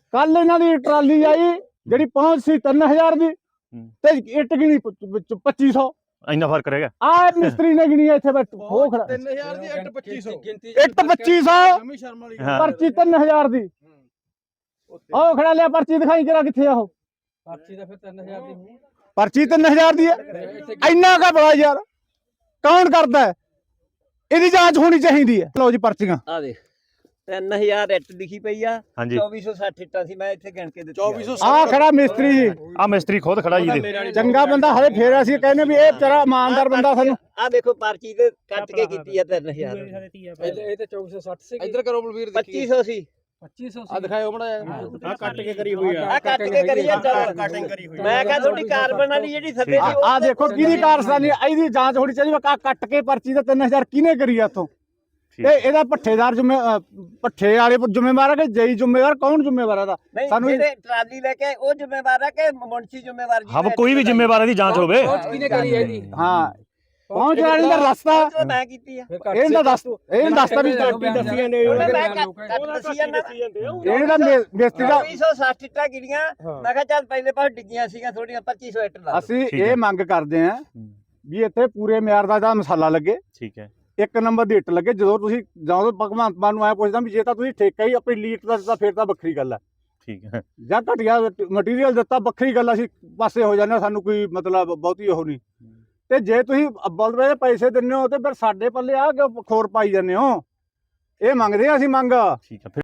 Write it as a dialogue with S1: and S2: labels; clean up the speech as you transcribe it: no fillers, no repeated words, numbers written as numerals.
S1: ਕੱਲ ਇਹਨਾਂ ਦੀ ਟਰਾਲੀ ਆਈ ਜਿਹੜੀ ਪਹੁੰਚ ਸੀ 3000 ਦੀ ਤੇ ਇੱਟ ਗਿਣੀ 2500।
S2: ਇੰਨਾ ਫਰਕ ਰਹਿ ਗਿਆ।
S1: ਆ ਮਿਸਤਰੀ ਨੇ ਗਿਣੀ ਇੱਥੇ ਬੈਠ ਹੋ ਖੜਾ
S3: 3000 ਦੀ ਇੱਟ 2500
S1: ਇੱਟ 2500
S3: ਜਮੀ ਸ਼ਰਮ ਵਾਲੀ
S2: ਹਾਂ।
S1: ਪਰਚੀ 3000 ਦੀ ਉਹ ਖੜਾ ਲਿਆ ਪਰਚੀ ਦਿਖਾਈ ਕਰਾ ਕਿੱਥੇ ਆ ਉਹ
S3: ਪਰਚੀ ਦਾ ਫਿਰ 3000 ਦੀ
S1: ਪਰਚੀ 3000 ਦੀ ਹੈ ਇੰਨਾ ਕਾ ਬੜਾ ਯਾਰ ਕੌਣ ਕਰਦਾ ਹੈ? ਇਹਦੀ ਜਾਂਚ ਹੋਣੀ ਚਾਹੀਦੀ ਹੈ। ਲਓ ਜੀ ਪਰਚੀਆਂ
S4: ਆ ਦੇ 3000 ਇੱਟ ਲਿਖੀ ਪਈ ਆ
S2: ਹਾਂਜੀ
S4: 2460 ਇੱਟਾਂ ਸੀ ਮੈਂ ਇੱਥੇ ਗਿਣ ਕੇ ਦਿੱਤੀ
S3: 2400
S1: ਆ ਖੜਾ ਮਿਸਤਰੀ ਜੀ
S2: ਆ ਮਿਸਤਰੀ ਖੁਦ ਖੜਾ ਜੀ ਦੇ
S1: ਚੰਗਾ ਬੰਦਾ ਹਲੇ ਫੇਰ ਅਸੀਂ ਕਹਿੰਦੇ ਵੀ ਇਹ ਵਿਚਾਰਾ ਇਮਾਨਦਾਰ ਬੰਦਾ ਸਾਨੂੰ
S4: ਆ ਦੇਖੋ ਪਰਚੀ ਤੇ ਕੱਟ ਕੇ ਕੀਤੀ ਆ 3000
S3: ਇਹ ਤੇ 2460 ਸੀ ਇੱਧਰ ਕਰੋ ਬਲਵੀਰ
S4: 2500 ਸੀ
S3: 2500 ਆ ਦਿਖਾਓ ਮੜਾ
S1: ਆ ਕੱਟ ਕੇ ਕਰੀ ਹੋਈ
S4: ਆ ਕੱਟ ਕੇ ਕਰੀ ਆ ਚੱਲ ਮੈਂ ਕਿਹਾ ਤੁਹਾਡੀ ਕਾਰਬਨ ਵਾਲੀ ਜਿਹੜੀ ਥੱਲੇ ਸੀ
S1: ਆ ਦੇਖੋ ਕਿਹਦੀ ਕਾਰਸਤਾਨੀ ਇਹਦੀ ਜਾਂਚ ਹੋਣੀ ਚਾਹੀਦੀ ਆ ਕੱਟ ਕੇ ਪਰਚੀ ਤੇ 3000 ਕਿਹਨੇ ਕਰੀ ਆ ਇੱਥੋਂ ਤੇ ਇਹਦਾ ਪੱਠੇਦਾਰ ਪੱਠੇ ਵਾਲੇ ਜ਼ਿੰਮੇਵਾਰ ਆ ਕਿ ਜਈ ਜ਼ਿੰਮੇਵਾਰ ਕੌਣ ਜ਼ਿੰਮੇਵਾਰ ਆ
S4: ਸਾਨੂੰ ਜਿਹੜੇ ਟਰਾਲੀ ਲੈ ਕੇ ਉਹ ਜ਼ਿੰਮੇਵਾਰ ਆ ਕਿ ਮੁਨਸ਼ੀ ਜ਼ਿੰਮੇਵਾਰ ਜੀ
S2: ਹਮ ਕੋਈ ਵੀ ਜ਼ਿੰਮੇਵਾਰ ਦੀ ਜਾਂਚ ਹੋਵੇ।
S3: ਕਿਹਨੇ ਕਰੀ ਹੈ ਜੀ
S1: ਹਾਂ ਪਹੁੰਚ ਵਾਲੀ ਦਾ ਰਸਤਾ
S4: ਮੈਂ ਕੀਤੀ ਆ
S1: ਇਹਦਾ ਦੱਸਦਾ ਵੀ
S3: ਦੱਸੀਆਂ ਨੇ
S4: ਮੈਂ ਕੱਟ ਦਸੀਆਂ ਨਾ
S1: ਇਹਦਾ ਮਿਸਤਰੀ ਦਾ
S4: 2460 ਇੱਟਾਂ ਗਿਣੀਆਂ ਮੈਂ ਕਿਹਾ ਚੱਲ ਪਹਿਲੇ ਪਾਸ ਡਿੱਗੀਆਂ ਸੀਗੀਆਂ ਥੋੜੀਆਂ 2500 ਇੱਟ ਲਾ
S1: ਅਸੀਂ ਇਹ ਮੰਗ ਕਰਦੇ ਆਂ ਵੀ ਇੱਥੇ ਪੂਰੇ ਮਿਆਰ ਦਾ ਮਸਾਲਾ ਲੱਗੇ
S2: ਠੀਕ ਹੈ।
S1: ਇੱਕ ਨੰਬਰ ਦੀ ਇੱਟ ਲੱਗੇ। ਜਦੋਂ ਤੁਸੀਂ ਜਦੋਂ ਭਗਵੰਤ ਮਾਨ ਨੂੰ ਆਇਆ ਪੁੱਛਦਾ ਵੀ ਜੇ ਤਾਂ ਤੁਸੀਂ ਠੇਕਾ ਹੀ ਆਪਣੀ ਲੀਟ ਦਾ ਦਿੱਤਾ ਫਿਰ ਤਾਂ ਵੱਖਰੀ ਗੱਲ ਹੈ
S2: ਠੀਕ ਹੈ।
S1: ਜਾਂ ਘਟੀਆ ਮਟੀਰੀਅਲ ਦਿੱਤਾ ਵੱਖਰੀ ਗੱਲ, ਅਸੀਂ ਪਾਸੇ ਹੋ ਜਾਂਦੇ ਸਾਨੂੰ ਕੋਈ ਮਤਲਬ ਬਹੁਤੀ ਉਹ ਨਹੀਂ। ਤੇ ਜੇ ਤੁਸੀਂ ਅੱਬਲ ਦੇ ਪੈਸੇ ਦਿੰਦੇ ਹੋ ਤੇ ਫਿਰ ਸਾਡੇ ਪੱਲੇ ਆ ਕੇ ਖੋਰ ਪਾਈ ਜਾਂਦੇ ਹੋ। ਇਹ ਮੰਗਦੇ ਆ ਅਸੀਂ ਮੰਗ
S2: ਠੀਕ ਹੈ।